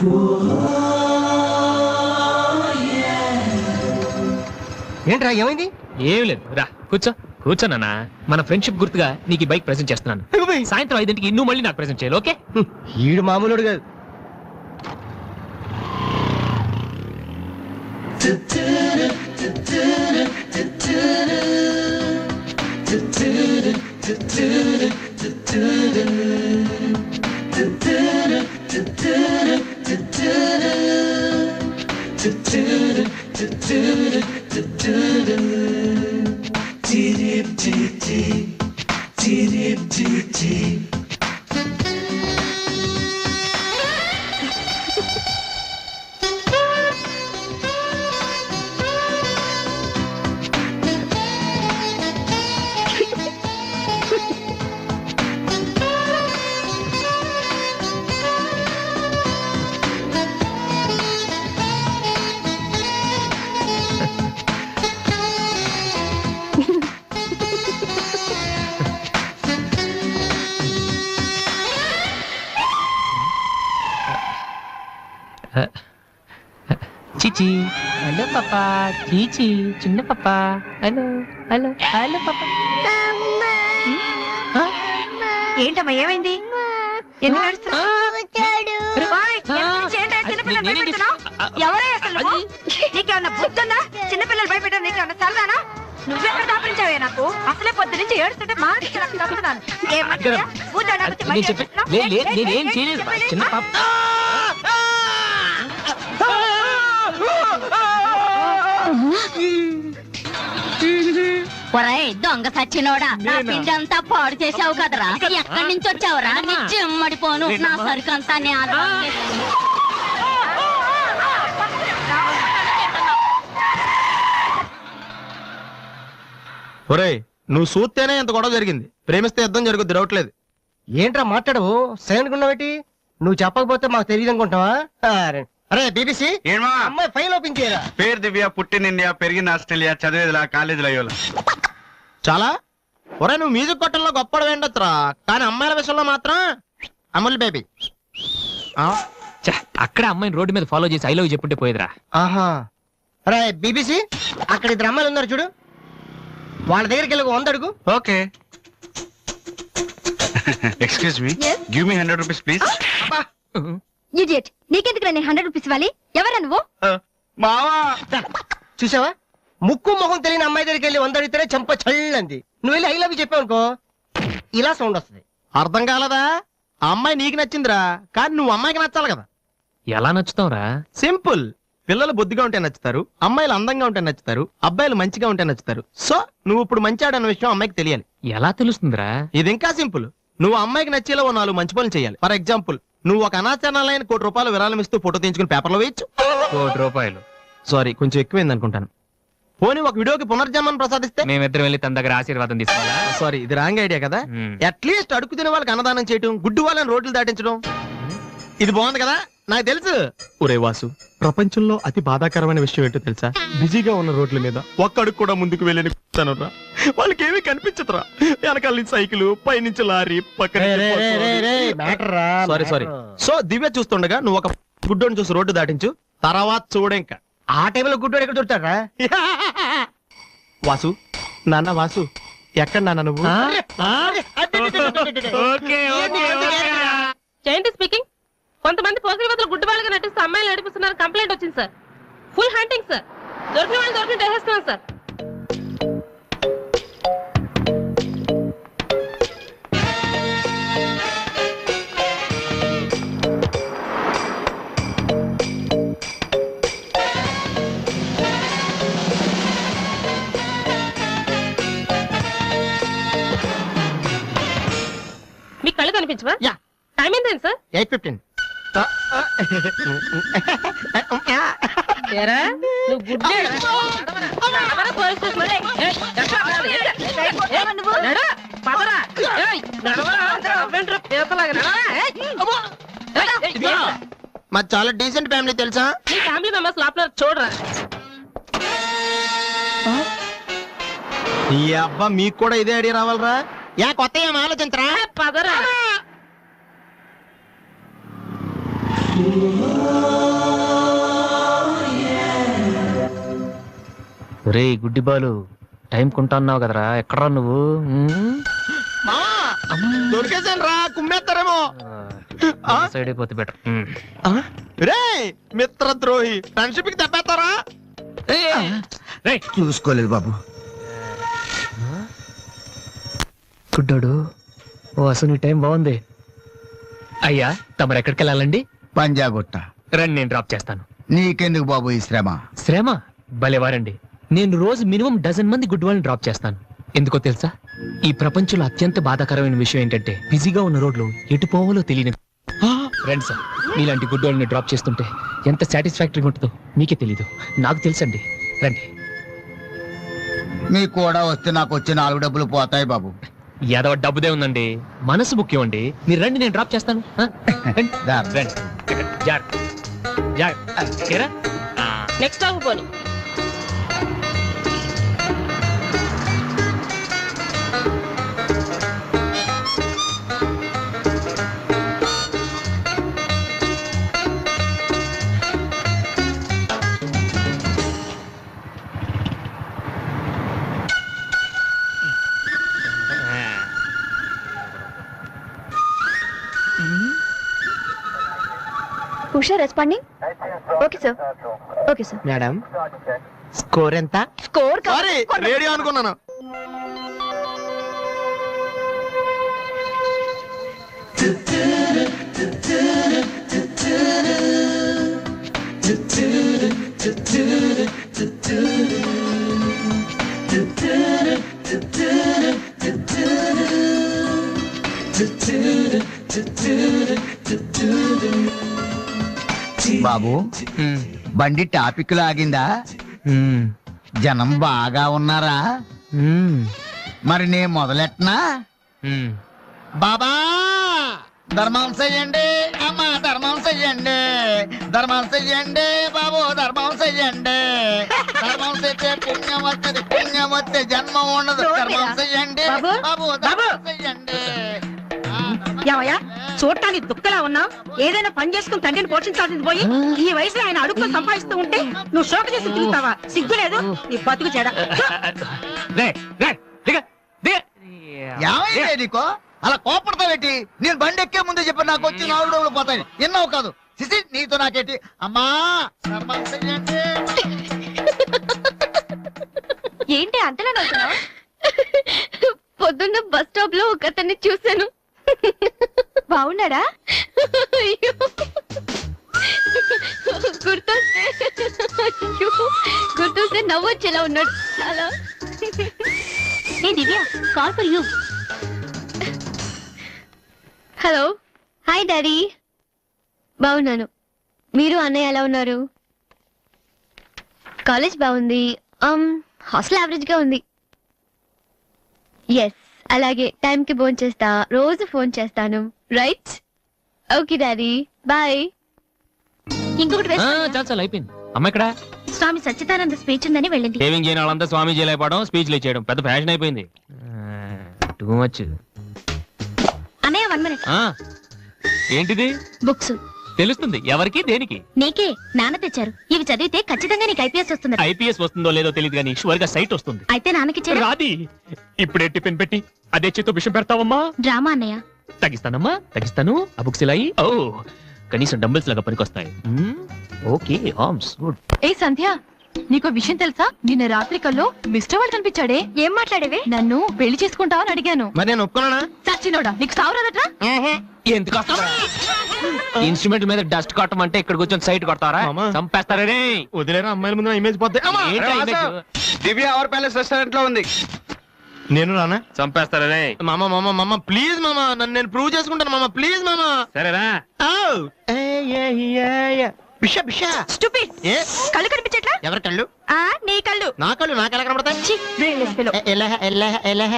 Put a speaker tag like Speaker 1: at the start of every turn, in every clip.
Speaker 1: ఏంట్రా ఏమైంది?
Speaker 2: ఏం లేదు, రా కూర్చో. కూర్చోనా, మన ఫ్రెండ్షిప్ గుర్తుగా నీకు బైక్ ప్రెజెంట్ చేస్తున్నాను. సాయంత్రం 5ంటికి నువ్వు మళ్ళీ నాకు ప్రెజెంట్ చేయాలి, ఓకే?
Speaker 1: ఈడు మామూలుడు కాదు.
Speaker 2: చీచి, హలో పాపా. చీచి, చిన్న పాపా. హలో హలో హలో పాపా.
Speaker 3: ఏంటమ్మా ఏమైంది? ఎందుకు ఏడుస్తున్నావ్? ఎవరే అసలు నువ్వు? నీకేమన్నా బుద్ధుందా? చిన్నపిల్లలు భయపెట్టారు, నీకేమన్నా సరదానా? నువ్వెక్కడ దాపరించావే? నాకు అసలే పొద్దు నుంచి ఏడుస్తుంటే మా
Speaker 4: దొంగ సచ్చినోడా, నా పిండంతా పాడు చేసావు కదరా. ఎక్కడి నుంచి వచ్చావురా? నీ చెమ్మడిపోను. నా సరుకంతా
Speaker 5: ఒరేయ్, నువ్వు చూస్తేనే ఎంత గొడవ జరిగింది. ప్రేమిస్తే యుద్ధం జరుగుద్ది, డౌట్లేదు.
Speaker 1: ఏంట్రా మాట్లాడవు? సైలెంట్ ఉన్నావేటి? నువ్వు చెప్పకపోతే మాకు తెలియదు అనుకుంటావా? అరే బీబీసీ, అమ్మాయి ఫైల్ ఓపెన్ చేయరా.
Speaker 6: పేరు దివ్య, పుట్టిన ఇండియా, పెరిగిన ఆస్ట్రేలియా, చదివేదిలా కాలేజీలో అయ్యోలా.
Speaker 5: చాలా ఒరే, నువ్వు మ్యూజిక్ కొట్టంలో గొప్పడు వేండొచ్చురా, కానీ అమ్మాయిల విషయంలో మాత్రం అమూల్ బేబీ.
Speaker 2: అక్కడ అమ్మాయిని రోడ్డు మీద ఫాలో చేసి ఐ లవ్ చెప్పుంటే పోయేదిరా.
Speaker 1: ఆహా. అరే బీబీసీ, అక్కడ ఇద్దరు అమ్మాయిలు ఉన్నారు చూడు, వాళ్ళ దగ్గరికి వెళ్ళి 100 అడుగు.
Speaker 6: Okay. Excuse me, give me 100 rupees please.
Speaker 4: Idiot, నీకెందుకు నేను 100 రూపీస్ ఇవ్వాలి? ఎవరా నువ్వు?
Speaker 6: మావా,
Speaker 1: చూసావా, ముక్కు మొహం తెలియని అమ్మాయి దగ్గరికి వెళ్ళి 100 అడిగితేనే చెంప చల్లంది. నువ్వు వెళ్ళి ఐ లవ్ చెప్పావు అనుకో, ఇలా సౌండ్ వస్తుంది.
Speaker 5: అర్థం కాలదా? ఆ అమ్మాయి నీకు నచ్చిందిరా, కానీ నువ్వు అమ్మాయికి నచ్చాలి కదా.
Speaker 2: ఎలా నచ్చుతావురా?
Speaker 5: సింపుల్. పిల్లలు బుద్ధిగా ఉంటే నచ్చుతారు, అమ్మాయిలు అందంగా ఉంటే నచ్చుతారు, అబ్బాయిలు మంచిగా ఉంటే నచ్చుతారు. సో నువ్వు ఇప్పుడు మంచివాడన్న విషయం అమ్మాయికి తెలియాలి.
Speaker 2: ఎలా తెలుస్తుందిరా?
Speaker 5: ఇది ఇంకా సింపుల్. నువ్వు అమ్మాయికి నచ్చేలా 4 మంచి పనులు చేయాలి. ఫర్ ఎగ్జాంపుల్, నువ్వు ఒక అనాచరణాలైన ₹1 కోటి విరాళం ఇస్తూ ఫోటో తీయించుకుని పేపర్లో వేయచ్చు.
Speaker 2: ₹1 కోటి.
Speaker 5: సారీ, కొంచెం ఎక్కువైంది అనుకుంటాను. పోనీ ఒక వీడియోకి పునర్జన్మను ప్రసాదిస్తే
Speaker 2: మేమిద్దరం వెళ్ళి తన దగ్గర ఆశీర్వాదం తీసుకోవాలా?
Speaker 5: సారీ, ఇది రాంగ్ ఐడియా కదా. అట్లీస్ట్ అడుగు తినే వాళ్ళకి అన్నదానం చేయటం, గుడ్డు వాళ్ళని రోడ్లు దాటించడం, ఇది బాగుంది కదా. నాకు తెలుసు. ఒరే వాసు, ప్రపంచంలో అతి బాధాకరమైన విషయం ఏంటో తెలుసా? బిజీగా ఉన్న రోడ్ల మీద ఒక్క అడుగు కూడా ముందుకు వెళ్ళని వాళ్ళకి ఏమీ కనిపించదురా. వెనకాల నుంచి సైకిల్, పైనుంచి లారీ, పక్కన. సారీ. సో దివ్య చూస్తుండగా నువ్వు ఒక గుడ్డోని చూసి రోడ్డు దాటించు, తర్వాత చూడ. ఇంకా
Speaker 1: ఆ టైంలో గుడ్డోడు ఎక్కడ దొరుకుతాడా?
Speaker 5: వాసు, నాన్న వాసు, ఎక్కడ నాన్న నువ్వు?
Speaker 7: జయంతి స్పీకింగ్. కొంతమంది పోకిరి వద్దలు గుడ్డు వాళ్ళగా నటిస్తూ అమ్మాయిలు నడిపిస్తున్నారు. కంప్లైంట్ వచ్చింది సార్. Full hunting sir. దొరికిన వాళ్ళు దొరికిన వేసేస్తున్నాం సార్. మీ కళ్ళు కనిపించవా? టైం ఏంటండి సార్?
Speaker 5: 8:15.
Speaker 7: నువ్వు గుడ్డే
Speaker 5: మాది చాలా డీసెంట్ ఫ్యామిలీ తెలుసా?
Speaker 7: మీ ఫ్యామిలీ మెంబర్స్ లోపల చూడరా.
Speaker 5: ఈ అబ్బా, మీకు కూడా ఇదే ఐడియా రావాలరా? కొత్త ఏం ఆలోచించరా?
Speaker 7: పదరా.
Speaker 2: రే గుడ్డి బాలు టైం కొంటున్నావు కదరా ఎక్కడా నువ్వు
Speaker 5: దొరికేసాను రా, కుమ్మేస్తారేమో.
Speaker 2: సైడ్ అయిపోతే బెటర్.
Speaker 5: రే మిత్రద్రోహి, ఫ్రెండ్షిప్ కి తప్పేస్తారా?
Speaker 1: చూసుకోలేదు బాబు.
Speaker 2: గుడ్డోడు ఓ అసలు టైం బాగుంది. అయ్యా తమరు ఎక్కడికి వెళ్ళాలండి?
Speaker 8: పంజాగుట్ట.
Speaker 2: రండి నేను డ్రాప్ చేస్తాను.
Speaker 8: నీకెందుకు బాబు ఈ శ్రమ?
Speaker 2: శ్రమ భలేవారండి. నేను రోజు మినిమం డజన్ మంది గుడ్ వాళ్ళని డ్రాప్ చేస్తాను. ఎందుకో తెలుసా? ఈ ప్రపంచంలో అత్యంత బాధాకరమైన విషయం ఏంటంటే బిజీగా ఉన్న రోడ్లు ఎటు పోవాలో తెలియని ఫ్రెండ్స్ సార్. మీలాంటి గుడ్ వాళ్ళని డ్రాప్ చేస్తుంటే ఎంత సాటిస్ఫాక్టరీగా ఉంటుందో మీకే తెలీదు, నాకు తెలుసండి. రండి.
Speaker 8: మీకు కూడా వస్తే నాకు వచ్చే 4 డబ్బులు పోతాయి బాబు.
Speaker 2: ఏదో డబ్బుదే ఉందండి, మనసు ముఖ్యం అండి. మీరు రండి నేను డ్రాప్ చేస్తాను. రండి.
Speaker 8: దా.
Speaker 2: రండి. జాగ్రత్త. జాగ్రత్త. ఏరా?
Speaker 7: నెక్స్ట్ స్టాప్ పోనీ.
Speaker 3: Usha responding. Okay sir. Okay sir.
Speaker 1: Madam score ఎంత?
Speaker 3: స్కోర్
Speaker 5: సారీ, రేడియో అనుకున్నాను.
Speaker 8: బాబు బండి టాపిక్ లాగిందా? జనం బాగా ఉన్నారా? మరి నేను మొదలెట్టనా? బాబా ధర్మం చెయ్యండి, అమ్మా ధర్మం చెయ్యండి, ధర్మం చెయ్యండి బాబు, ధర్మం చెయ్యండి. ధర్మం చేస్తే పుణ్యం వస్తుంది, పుణ్యం వస్తే జన్మ ఉండదు. ధర్మం చెయ్యండి బాబు, ధర్మం చెయ్యండి.
Speaker 3: ఏమయ్యా చూడటానికి దుఃఖలా ఉన్నావు? ఏదైనా పని చేసుకుని తండ్రిని పోషించాల్సింది పోయి ఈ వయసులో ఆయన అడుగుకొని సంపాదిస్తూ ఉంటే నువ్వు శోక చేసి తిరుగుతావా? సిగ్గు లేదు నీ బతుకు చెడ.
Speaker 8: ఏమైంది నీకో అలా కోపడతావేటి? నేను బండి ఎక్కే ముందే చెప్పి నాకు వచ్చి 4 డబ్బులు పోతాయి. ఎన్నో కాదు సిసి, నీతో నాకేటి? అమ్మా ధర్మం చెయ్యండి.
Speaker 3: ఏంటి అంతలా నవ్వుతున్నావు? పొద్దున్న బస్ స్టాప్ లో ఒక అతన్ని చూశాను. బాగున్నాడా? గుర్తొస్తే నవ్వొచ్చేలా ఉన్నాడు చాలా.
Speaker 4: ఏ Divya, call for you.
Speaker 3: Hello. Hi daddy. బాగున్నాను. మీరు అన్నయ్య ఎలా ఉన్నారు? కాలేజ్ బాగుంది. హాస్టల్ యావరేజ్ గా ఉంది. ఎస్ అలాగే టైంకి ఫోన్ చేస్తా, రోజు ఫోన్ చేస్తాను. రైట్? Okay daddy bye.
Speaker 4: ఇంకొకటి
Speaker 2: చాలు చాలు అయిపోయింది. అమ్మ ఇక్కడ
Speaker 4: స్వామి సచ్చిదానంద స్పీచ్ ఉందని వెళ్ళింది.
Speaker 2: సేవింగ్ చేయని వాళ్ళంతా స్వామీజీ అయిపోవడం, స్పీచ్లు ఇచ్చేయడం పెద్ద ఫ్యాషన్ అయిపోయింది. Too much.
Speaker 4: అన్నయ్య 1 minute.
Speaker 2: ఏంటిది?
Speaker 4: బుక్స్.
Speaker 2: తెలుస్తుంది ఎవరికి దేనికి?
Speaker 4: నీకే. నాన్న తెచ్చారు. ఇవి చదివితే ఖచ్చితంగా నీకు ఐపీఎస్ వస్తుంది.
Speaker 2: ఐపీఎస్ వస్తుందో లేదో తెలియదు కానీ షువర్ గా సైట్ వస్తుంది.
Speaker 4: అయితే నాన్నకి
Speaker 2: రాది. ఇప్పుడే టిఫిన్ పెట్టి అదే చేతో విషయం పెడతావమ్మా?
Speaker 4: డ్రామా అన్నయ్య.
Speaker 2: తగ్గిస్తానమ్మా, తగ్గిస్తాను. ఆ బుక్స్ ఇలా ఓ కనీసం డంబుల్స్ లాగా పనికొస్తాయి. Okay arms good.
Speaker 3: ఏ సంధ్య, నీకో విషయం తెలుసా? నిన్న రాత్రి కల్లో మిస్టర్ వాళ్ళు కనిపించాడే. ఏం మాట్లాడేవే? నన్ను పెళ్లి చేసుకుంటావని అడిగాను.
Speaker 5: మరి నేను ఒప్పుకున్నానా?
Speaker 3: సచ్చినోడా, నీకు సావరాదట్రా?
Speaker 2: ఎందుకు ఇన్స్ట్రుమెంట్ మీద డస్ట్ కొట్టమంటే ఇక్కడ కూర్చొని సైట్ కొడతారా?
Speaker 5: మామా.
Speaker 2: చంపేస్తారా రే?
Speaker 5: వదిలేరా, అమ్మాయిల ముందు ఇమేజ్ పోతే.
Speaker 2: ఏంటా image?
Speaker 6: Divya our palace restaurant లో ఉంది.
Speaker 5: నేను రానా?
Speaker 2: చంపేస్తారా రే?
Speaker 5: మామ మామ మామ ప్లీజ్ మామ, నన్ను నేను ప్రూవ్ చేసుకుంటాను మామ, ప్లీజ్ మామ.
Speaker 2: సరేరా.
Speaker 5: బిషా బిషా.
Speaker 3: Stupid.
Speaker 5: ఏ
Speaker 3: కళ్ళు కనిపించట్లా?
Speaker 5: ఎవరి కళ్ళు?
Speaker 3: నీ కళ్ళు.
Speaker 5: నా కళ్ళు నాకు ఎలా కనబడతాయి?
Speaker 3: ఛీ, brainless fellow.
Speaker 5: ఎలహ ఎలహ ఎలహ.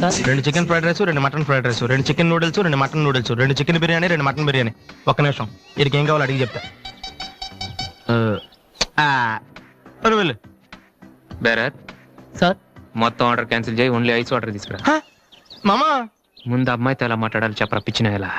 Speaker 5: 2 chicken fried rice 2 mutton fried rice 2 chicken noodles 2 mutton noodles 2 chicken biryani 2 mutton biryani. ఒక్క నిమిషం, వీడికి ఏం కావాలో అడిగి చెప్తా. వెళ్ళు.
Speaker 2: బేరత్
Speaker 1: సార్
Speaker 2: మొత్తం ఆర్డర్ క్యాన్సిల్ చేయి, ఓన్లీ ఐస్ వాటర్ తీసుకురా.
Speaker 5: మామా
Speaker 2: ముందు అమ్మాయితో ఎలా మాట్లాడాలి చెప్పరా, పిచ్చిన ఎలా.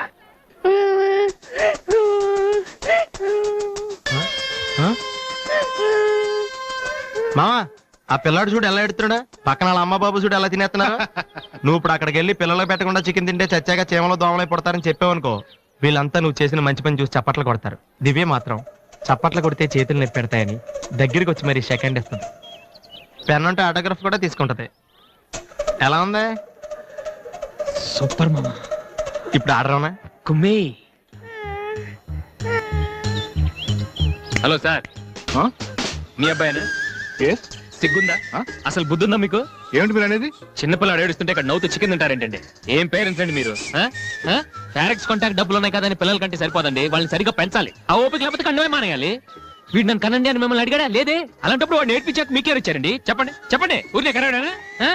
Speaker 5: మామా ఆ పిల్లాడు చూడు ఎలా ఎడుతున్నాడా, పక్కన వాళ్ళ అమ్మ బాబు చూడు ఎలా తినేస్తున్నారా. నువ్వు ఇప్పుడు అక్కడికి వెళ్ళి పిల్లలకు పెట్టకుండా చికెన్ తింటే చచ్చాక చీమలో దోమలై పడతారని చెప్పావనుకో, వీళ్ళంతా నువ్వు చేసిన మంచి పని చూసి చప్పట్లు కొడతారు. దివ్య మాత్రం చప్పట్లు కొడితే చేతులు నొప్పి పెడతాయని దగ్గరికి వచ్చి మరి సెకండ్ ఇస్తుంది. పెన్ అంటే ఆటోగ్రాఫ్ కూడా తీసుకుంటది. ఎలా ఉంది?
Speaker 2: సూపర్ మామా.
Speaker 5: ఇప్పుడు ఆర్డర్ అవునా?
Speaker 2: కుమ్మి. హలో సార్, మీ అబ్బాయినా? సిగ్గుందా? అసలు బుద్ధుందా మీకు?
Speaker 9: ఏమిటి మీరు అనేది?
Speaker 2: చిన్నపిల్లడు ఏడుస్తుంటే ఇక్కడ నవ్వుతూ చికెన్ తింటారేంటండి? ఏం పేరెంట్స్ అండి మీరు? ఫారెక్స్ కాంటాక్ట్ డబ్బులు ఉన్నాయి కదా అని పిల్లల కంటే సరిపోదండి, వాళ్ళని సరిగ్గా పెంచాలి. ఆ ఓపిక లేకపోతే కండమే మానేయాలి. వీడు నన్ను కనండి అని మిమ్మల్ని అడిగాడా? లేదే. అలాంటప్పుడు వాడు నేర్పించాక మీకే వచ్చారండి. చెప్పండి చెప్పండి, ఊరినే కనడానా?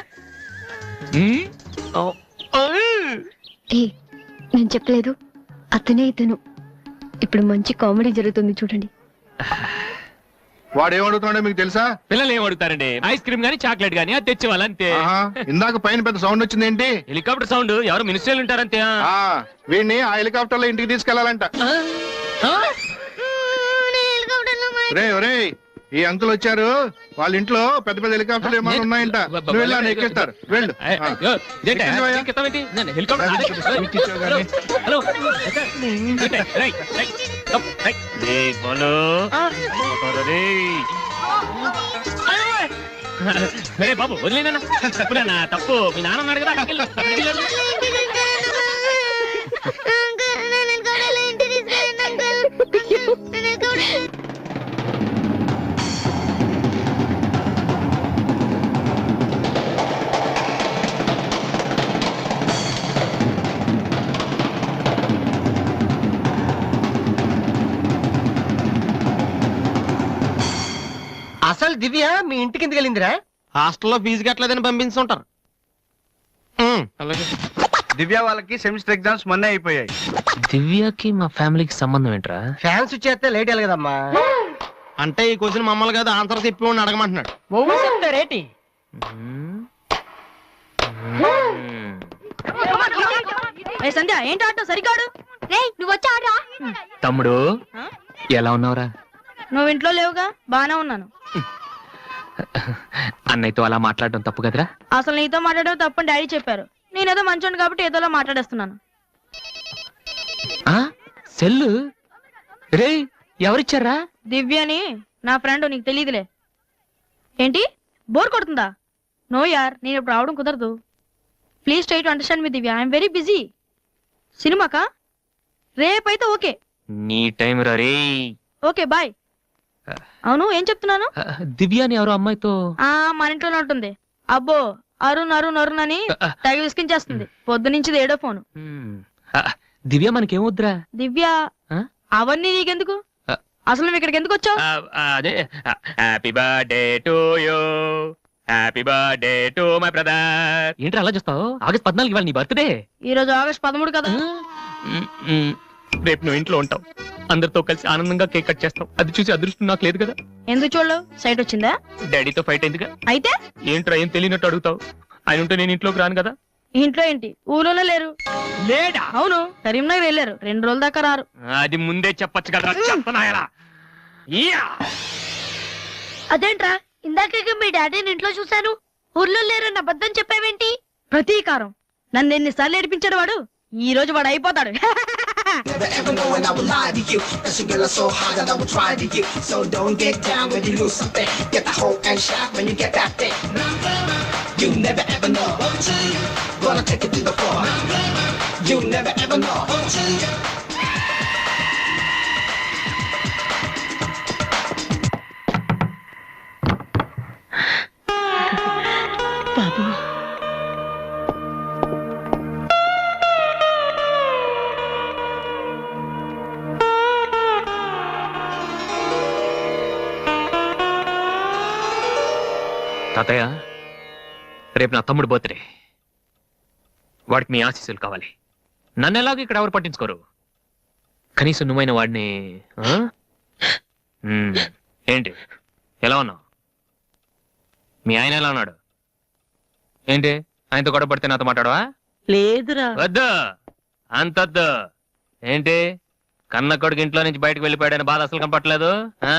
Speaker 10: నేను చెప్పలేదు, అతనే ఇతను. ఇప్పుడు మంచి కామెడీ జరుగుతుంది చూడండి.
Speaker 9: వాడు ఏం అడుగుతున్నాడో మీకు తెలుసా?
Speaker 2: పిల్లలు ఏం అడుగుతారండి? ఐస్ క్రీమ్ గానీ చాక్లెట్ గానీ అది తెచ్చేవాళ్ళంతే.
Speaker 9: ఇందాక పైన పెద్ద సౌండ్ వచ్చింది ఏంటి?
Speaker 2: Helicopter sound. ఎవరు మినిస్టర్లు ఉంటారంతే.
Speaker 9: వీడిని ఆ హెలికాప్టర్ లో ఇంటికి తీసుకెళ్లాలంట. ఒరే ఈ అంకుల్ వచ్చారు, వాళ్ళ ఇంట్లో పెద్ద పెద్ద హెలికాప్టర్లు ఏమైనా ఉన్నాయంట. నువ్వు వెళ్ళి ఆయన ఎక్కిస్తారు. వెళ్ళు.
Speaker 2: బాబు వదిలేనా? తప్పు మీ నాన్న ఉన్నాడు కదా.
Speaker 1: అసలు దివ్య మీ ఇంటికి ఎందుకు వెళ్ళిందిరా?
Speaker 5: హాస్టల్లో ఫీజు కట్టలేదని పంపించుంటారు.
Speaker 6: దివ్య వాళ్ళకి సెమిస్టర్ ఎగ్జామ్స్ మొన్నే అయిపోయాయి.
Speaker 2: దివ్యకి మా ఫ్యామిలీకి సంబంధం ఏంట్రా?
Speaker 1: ఫ్యాన్స్ వచ్చేస్తే లేట్ వెళ్ళగదమ్మా.
Speaker 5: అంటే ఈ క్వశ్చన్ మమ్మల్ని కాదు, ఆన్సర్ చెప్పి అడగమంటున్నాడు.
Speaker 1: చెప్తారేటి?
Speaker 3: సంధ్య ఏంటి ఆట సరికాడు?
Speaker 10: నువ్వు వచ్చా?
Speaker 2: తమ్ముడు ఎలా ఉన్నావురా?
Speaker 3: నువ్వు ఇంట్లో లేవుగా, బానే ఉన్నాను.
Speaker 2: అన్నయ్యతో అలా మాట్లాడడం తప్పు కదరా?
Speaker 3: అసలు నీతో మాట్లాడడం తప్పని డాడీ చెప్పారు. నేనేదో మంచోండి కాబట్టి ఏదోలా మాట్లాడేస్తున్నాను.
Speaker 2: సెల్లు రే ఎవరిచ్చారా?
Speaker 3: దివ్యని, నా ఫ్రెండ్, నీకు తెలియదులే. ఏంటి బోర్ కొడుతుందా? నో యార్, నేను ఇప్పుడు రావడం కుదరదు. Please try to understand me Divya, I'm very busy. సినిమాకా? రేపైతే ఓకే.
Speaker 2: నీ టైం రే.
Speaker 3: Okay bye. అవును ఏం చెప్తున్నాను?
Speaker 2: దివ్యాని ఎవరో అమ్మాయితో
Speaker 3: మన ఇంట్లోనే ఉంటుంది. అబ్బో అరుణ్ అరుణ్ అరుణ్ అని తెగ విసికించేస్తుంది. పొద్దు నుంచి ఏడో ఫోను.
Speaker 2: దివ్య మనకేమొద్దురా?
Speaker 3: దివ్య అవన్నీ నీకెందుకు? అసలు నువ్వు ఇక్కడికి ఎందుకు వచ్చావు?
Speaker 2: అదే happy birthday to you, happy birthday to my brother. ఏంటి అలా చూస్తావు? ఆగస్ట్ 14 ఇవాళ నీ బర్త్డే.
Speaker 3: ఈ రోజు ఆగస్ట్ 13 కదా.
Speaker 2: రేపు నువ్వు ఇంట్లో ఉంటావు, అందరితో కలిసి ఆనందంగా కేక్ కట్ చేస్తావు. అది చూసి అదృష్టం నాకు లేదు కదా.
Speaker 3: ఎందుకు చూడలేవు? సైట్ వచ్చిందా?
Speaker 2: డాడీతో ఫైట్ అయిందిగా.
Speaker 3: అయితే
Speaker 2: ఏంట్రా ఏం తెలియనట్టు అడుగుతావు? ఆయన ఉంటే నేను ఇంట్లోకి రాను కదా.
Speaker 3: ఇంట్లో ఏంటి, ఊళ్ళోనే లేరు.
Speaker 2: లేడా?
Speaker 3: అవును, కరీంనగర్ వెళ్ళారు. 2 రోజుల దాకా రారు.
Speaker 2: అది ముందే చెప్పొచ్చు కదా. చెప్పనాయలా?
Speaker 10: అదేంట్రా, ఇందాక మీ డాడీని ఇంట్లో చూశాను, ఊర్లో లేరన్న అబద్ధం చెప్పావేంటి?
Speaker 3: ప్రతీకారం. నన్ను ఎన్నిసార్లు ఏడిపించాడు వాడు, ఈ రోజు వాడు అయిపోతాడు.
Speaker 11: Never ever knowing I would lie to you. Cause your girl is so hot that I would try to you. So don't get down when you lose something. Get the hope and shot when you get that thing. You never ever know. Gonna take it to the floor. You never ever know.
Speaker 3: బాబు
Speaker 2: తాతయ్య, రేపు నా తమ్ముడు birthday. వాడికి మీ ఆశీస్సులు కావాలి. నన్ను ఎలాగో ఇక్కడ ఎవరు పట్టించుకోరు. కనీసం నువ్వైన వాడిని ఆ? ఏంటి ఎలా ఉన్నావు? మీ ఆయన ఎలా ఉన్నాడు? ఏంటి ఆయనతో గొడవ పడితే నాతో మాట్లాడవా?
Speaker 7: లేదురా.
Speaker 2: వద్దు అంతొద్దు. ఏంటి కన్న కొడుకు ఇంట్లో నుంచి బయటకు వెళ్ళిపోయాడని బాధ అసలు కనపట్లేదు.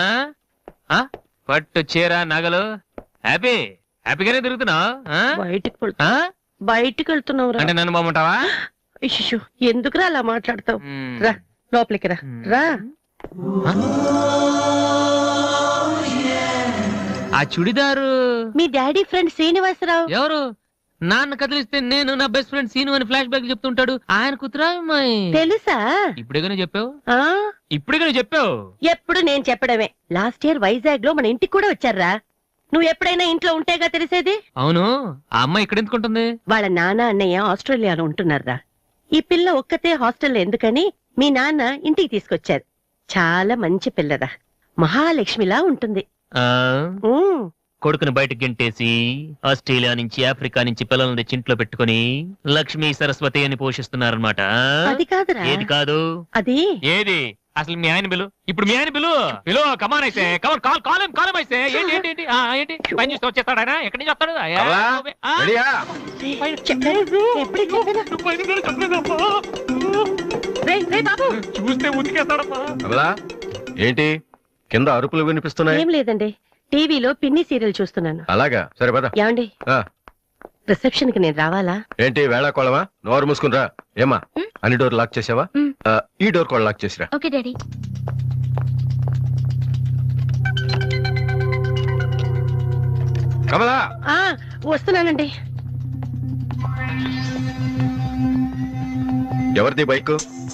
Speaker 2: పట్టు చీర నగలు హ్యాపీగానే తిరుగుతున్నావు.
Speaker 7: బయటికి వెళ్తున్నావు
Speaker 2: అంటే నన్ను బాగుంటావా?
Speaker 7: ఎందుకురా అలా మాట్లాడతావు? రా లోపలికి రా. రా.
Speaker 2: ఆ చుడిదారు
Speaker 7: మీ డాడీ ఫ్రెండ్ శ్రీనివాసరావు.
Speaker 2: ఎవరు? నాన్న కదిలిస్తే నేను నా బెస్ట్ ఫ్రెండ్ సీను అని ఫ్లాష్ బ్యాక్ చెప్తుంటాడు. ఆయన కూతురా అమ్మాయి?
Speaker 7: తెలుసా?
Speaker 2: ఇప్పుడేగానే చెప్పావు.
Speaker 7: ఎప్పుడు నేను చెప్పడమే. లాస్ట్ ఇయర్ వైజాగ్ లో మన ఇంటికి కూడా వచ్చారా. నువ్వు ఎప్పుడైనా ఇంట్లో ఉంటేగా తెలిసేది.
Speaker 2: అవును, ఆ అమ్మాయి ఇక్కడ ఎందుకుంటుంది?
Speaker 7: వాళ్ళ నాన్న అన్నయ్య ఆస్ట్రేలియాలో ఉంటున్నారా. ఈ పిల్ల ఒక్కతే హాస్టల్లో ఎందుకని మీ నాన్న ఇంటికి తీసుకొచ్చారు. చాలా మంచి పిల్లరా, మహాలక్ష్మిలా ఉంటుంది.
Speaker 2: కొడుకుని బయటకు గెంటేసి ఆస్ట్రేలియా నుంచి ఆఫ్రికా నుంచి పిల్లల్ని తెచ్చి ఇంట్లో పెట్టుకుని లక్ష్మీ సరస్వతి అని పోషిస్తున్నారన్నమాట.
Speaker 7: అది కాదురా.
Speaker 2: ఏది కాదు?
Speaker 7: అది
Speaker 2: ఏది అసలు? మీ ఆయన బిలు. ఇప్పుడు మీ ఆయన బిలు కమాన్ అయితే కాలం అయితే ఏంటి పని చూస్తే వచ్చేస్తాడు ఆయన. ఎక్కడి నుంచి వస్తాడు? చూస్తే ఉతికేస్తాడమ్మా.
Speaker 12: ఏంటి కింద అరుపులు వినిపిస్తున్నాయి?
Speaker 7: ఏం లేదండి, టీవీలో పిన్ని సీరియల్ చూస్తున్నాను.
Speaker 12: అలాగా, సరే పద.
Speaker 7: ఏమండి రిసెప్షన్ కి నేను రావాలా?
Speaker 12: ఏంటి వేళ కోళమా? నోరు మూసుకునిరా. ఏమా అన్ని డోర్ లాక్ చేసావా? ఈ డోర్ కూడా లాక్ చేసిరా.
Speaker 4: Okay daddy.
Speaker 12: కమలా
Speaker 7: వస్తున్నానండి.
Speaker 12: ఎవరిది బైక్?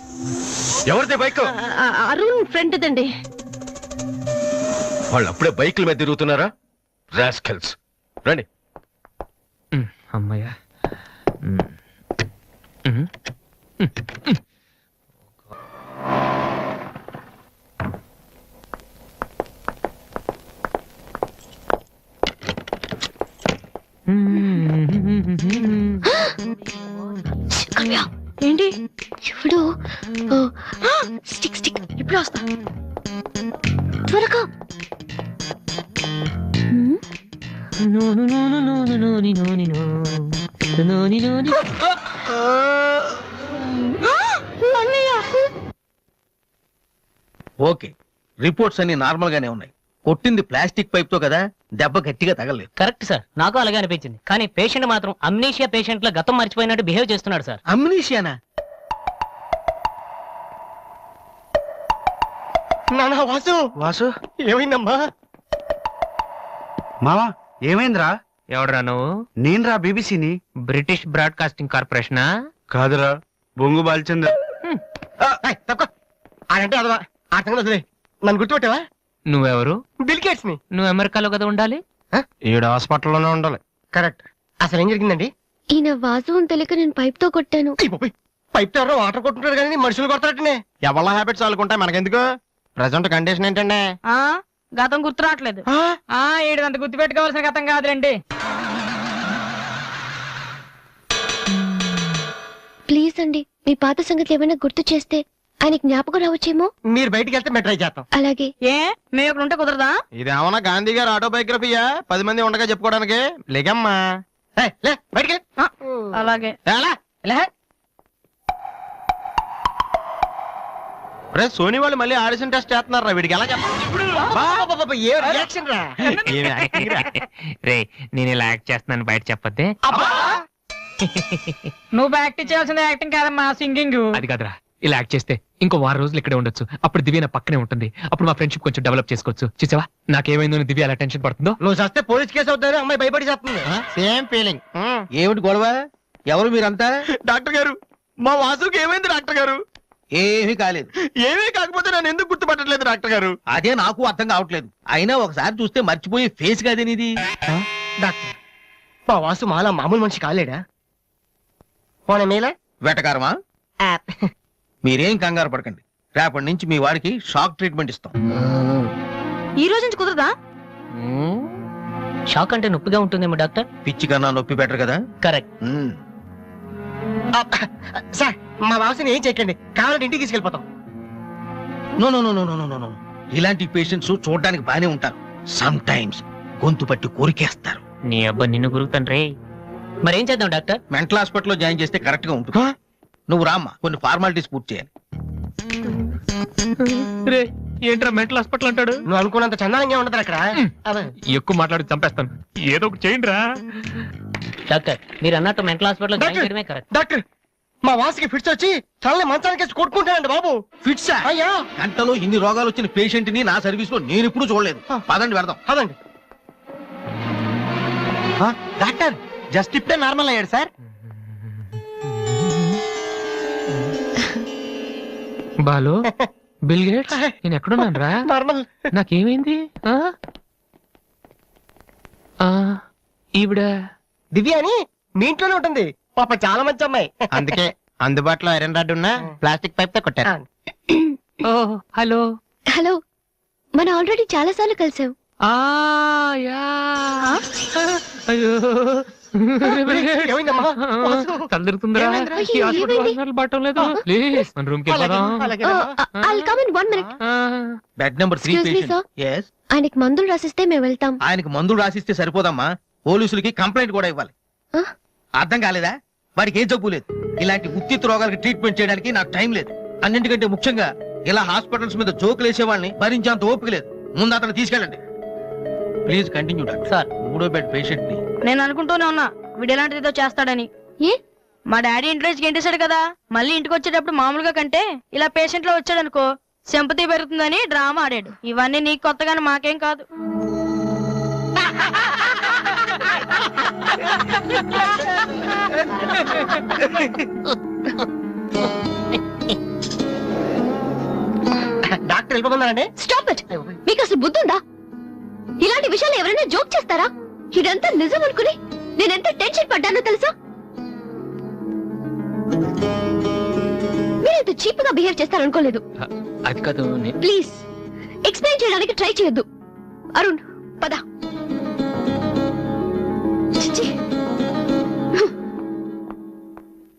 Speaker 7: అరుణ్ ఫ్రెండ్ దండి.
Speaker 12: వాళ్ళు అప్పుడే బైకుల మీద తిరుగుతున్నారా? రాస్కెల్స్. రండి.
Speaker 2: అమ్మయ్యా.
Speaker 10: ఏంటి చూడు, స్టిక్ స్టిక్. ఇప్పుడు వస్తా త్వరగా.
Speaker 5: ఓకే, రిపోర్ట్స్ అన్ని నార్మల్ గానే ఉన్నాయి. కొట్టింది ప్లాస్టిక్ పైప్ తో కదా, దెబ్బ గట్టిగా తగలేదు.
Speaker 13: కరెక్ట్ సార్, నాకు అలాగే అనిపించింది. కానీ పేషెంట్ మాత్రం అమ్నీషియా పేషెంట్ లా గతం మర్చిపోయినట్టు బిహేవ్ చేస్తున్నాడు సార్.
Speaker 5: అమ్నీషియానా? వాసు
Speaker 1: ఏమైందమ్మా?
Speaker 6: మావా ఏమైందిరా?
Speaker 2: ఎవడరా నువ్వు?
Speaker 6: నేనురా, బీబీసీని.
Speaker 2: British broadcasting కార్పొరేషనా?
Speaker 6: కాదురా, బొంగు బాల్చందర్.
Speaker 1: అంటే అదవా ఆ సంగతి వదిలే. నన్ను గుర్తుపెట్టావా?
Speaker 2: నువ్వెవరు?
Speaker 1: బిల్ గేట్స్ ని.
Speaker 2: నువ్వు అమెరికాలో కదా ఉండాలి.
Speaker 5: ఈడ హాస్పిటల్లోనే ఉండాలి.
Speaker 1: కరెక్ట్. అసలు ఏం జరిగిందండి?
Speaker 10: ఈయన వాసు అని తెలియక నేను పైప్ తో కొట్టాను.
Speaker 1: పైప్ తో ఎవరో వాటర్ కొట్టుకుంటారు కానీ మనుషులు కొడతారటనే.
Speaker 5: ఎవరి హ్యాబిట్స్ వాళ్ళకుంటాయి, మనకెందుకు? ప్రెసెంట్ కండిషన్ ఏంటండి?
Speaker 3: గతం గుర్తు రావట్లేదు. ఏడంత గుర్తు పెట్టుకోవాల్సిన గతం కాదులేండి.
Speaker 10: ప్లీజ్ అండి, మీ పాత సంగతి ఏమైనా గుర్తు చేస్తే ఆయన జ్ఞాపకం రావచ్చేమో.
Speaker 1: మీరు బయటికి వెళ్తే మేము ట్రై చేస్తాం.
Speaker 10: అలాగే.
Speaker 3: ఏ మేము ఇక్కడ ఉంటే కుదరదా?
Speaker 5: ఇదేమన్నా గాంధీ గారు ఆటోబయోగ్రఫీయా 10 మంది ఉండగా చెప్పుకోవడానికి? లేకమ్మా
Speaker 1: బయటికి.
Speaker 3: అలాగే.
Speaker 5: సోనీ వాళ్ళు మళ్ళీ ఆడిషన్ టెస్ట్ చేస్తున్నారా? వీడికి ఎలా
Speaker 2: రే, నేను ఇలా యాక్ట్ చేస్తున్నాను బయట చెప్పద్దే.
Speaker 3: నువ్వు యాక్టింగ్ చేయాల్సింది యాక్టింగ్ కాదమ్మా, సింగింగ్.
Speaker 2: అది కాదురా, ఇలా యాక్ట్ చేస్తే ఇంకో 10 రోజులు ఇక్కడే ఉండొచ్చు. అప్పుడు దివ్య నా పక్కనే ఉంటుంది. అప్పుడు మా ఫ్రెండ్షిప్ కొంచెం డెవలప్ చేసుకోవచ్చు. చూసావా నాకేమైందో దివ్య అలా టెన్షన్ పడుతుందో.
Speaker 1: నువ్వు చేస్తే పోలీస్ కేసు అవుతారు. అమ్మాయి భయపడి చేస్తుంది.
Speaker 5: Same feeling. ఏమిటి గొడవ? ఎవరు మీరంతా? డాక్టర్ గారు, మా వాసుకి ఏమైంది డాక్టర్ గారు? ఏమీ కాలేదు. ఏమీ కాకపోతే నన్ను ఎందుకు గుర్తుపట్టట్లేదు డాక్టర్ గారు? అదే నాకు అర్థం కావట్లేదు. అయినా ఒకసారి చూస్తే మర్చిపోయే ఫేస్ కాదే నీది.
Speaker 1: డాక్టర్, మా వాసు మాలా మామూలు మనిషి కాలేడా? పోనీ మేలా
Speaker 5: వెటకారమా? మీరేం కంగారు పడకండి. రేపటి నుంచి మీ వాడికి షాక్ ట్రీట్మెంట్ ఇస్తాం.
Speaker 3: ఈ రోజు నుంచి కుదరదా?
Speaker 13: షాక్ అంటే నొప్పిగా ఉంటుందేమో డాక్టర్.
Speaker 5: పిచ్చి కన్నా నొప్పి బెటర్ కదా.
Speaker 13: కరెక్ట్.
Speaker 1: సార్ మా వాసిని ఏం చేయకండి, కావాలంటే ఇంటికి తీసుకెళ్ళిపోతాం.
Speaker 8: No no no no no no no ఇలాంటి పేషెంట్స్ చూడడానికి బానే ఉంటారు, సమ్ టైమ్స్ గొంతు పట్టి కోరికేస్తారు.
Speaker 13: నీ అబ్బా నిన్ను గురుతండ్రే. మరేం చేద్దాం డాక్టర్?
Speaker 8: మెంటల్ హాస్పిటల్లో జాయిన్ చేస్తే కరెక్ట్ గా ఉంటుంది. నువ్వు రామ్మా, కొన్ని ఫార్మాలిటీస్ పూర్తి చేయాలి.
Speaker 2: రే ఏంట్రా మెంటల్ హాస్పిటల్ అంటాడు?
Speaker 1: నువ్వు అనుకున్నంత చందానంగా ఉండదు అక్కడ.
Speaker 2: ఎక్కువ మాట్లాడి చంపేస్తాను, ఏదో ఒకటి చేయండి రా.
Speaker 13: డాక్టర్ మీరు అన్నట్టు మెంటల్ హాస్పిటల్ జాయిన్ చేయడమే కరెక్ట్.
Speaker 1: డాక్టర్ మా వాసికి ఫిట్స్ వచ్చి తలని మంచానికి కొట్టుకుంటానండి బాబు.
Speaker 8: ఫిట్స్
Speaker 1: అయ్యా
Speaker 8: గంటలో ఇన్ని రోగాలు వచ్చిన పేషెంట్ ని నా సర్వీస్ లో నేను ఇప్పుడు చూడలేదు. పదండి వెళ్దాం.
Speaker 1: అదండి. డాక్టర్ జస్ట్ ఇప్పుడే నార్మల్ అయ్యాడు సార్.
Speaker 2: బాలు బిల్ గేట్స్ నేను ఎక్కడున్నాను రా?
Speaker 1: నార్మల్.
Speaker 2: నాకేమైంది? ఈవిడ
Speaker 1: దివ్య అని మీ ఇంట్లోనే ఉంటుంది పాప, చాలా మంచి అమ్మాయి.
Speaker 5: అందుకే అందుబాటులో ఐరన్ రాడ్ ఉన్న ప్లాస్టిక్ పైప్ తో కొట్టారు.
Speaker 2: హలో
Speaker 10: హలో, మనం ఆల్రెడీ చాలా సార్లు కలిసాం.
Speaker 1: ఏమైందమ్మా?
Speaker 2: తలదిరుతుందిరా, ఈ హాస్పిటల్ పట్టం లేదు. ప్లీజ్ మన రూమ్ కి
Speaker 8: బెడ్ నెంబర్ 3 పేషెంట్. yes
Speaker 10: ఆయనకి మందులు రాసిస్తే మేము వెళ్తాం.
Speaker 8: ఆయనకి మందులు రాసిస్తే సరిపోదమ్మా, పోలీసులకి కంప్లైంట్ కూడా ఇవ్వాలి. అర్థం కాలేదా? వాడికి ఏం జబ్బు లేదు. ఇలాంటి ఉత్తిత్ రోగాలకి ట్రీట్మెంట్ చేయడానికి నాకు టైం లేదు. అన్నింటికంటే ముఖ్యంగా ఇలా హాస్పిటల్స్ మీద జోకులు వేసే వాళ్ళని భరించేంత ఓపిక లేదు. ముందు అతను తీసుకెళ్ళండి. Please continue doctor.
Speaker 13: సార్
Speaker 8: 3వ బెడ్ పేషెంట్ ని
Speaker 3: నేను అనుకుంటూనే ఉన్నా వీడు ఎలాంటిది ఏదో చేస్తాడని. మా డాడీ ఇంట్లోంచి గెంటేశాడు కదా, మళ్ళీ ఇంటికి వచ్చేటప్పుడు మామూలుగా కంటే ఇలా పేషెంట్ లో వచ్చాడు అనుకో సింపతి పెరుగుతుందని డ్రామా ఆడాడు. ఇవన్నీ నీకు కొత్తగానే మాకేం కాదు.
Speaker 1: డాక్టర్ వెళ్ళిపోతున్నారండి.
Speaker 10: Stop it. మీకు అసలు బుద్ధి ఉందా? ఇలాంటి విషయాలు ఎవరైనా జోక్ చేస్తారా? ఇదంతా నిజం అనుకుని నేనెంత టెన్షన్ పడ్డానో తెలుసా? మీరు ఇంత చీప్ గా బిహేవ్ చేస్తారనుకోలేదు.
Speaker 2: అది కాదు.
Speaker 10: ప్లీజ్ ఎక్స్ప్లెయిన్ చేయడానికి ట్రై చేయొద్దు. అరుణ్ పద. చిచ్చి.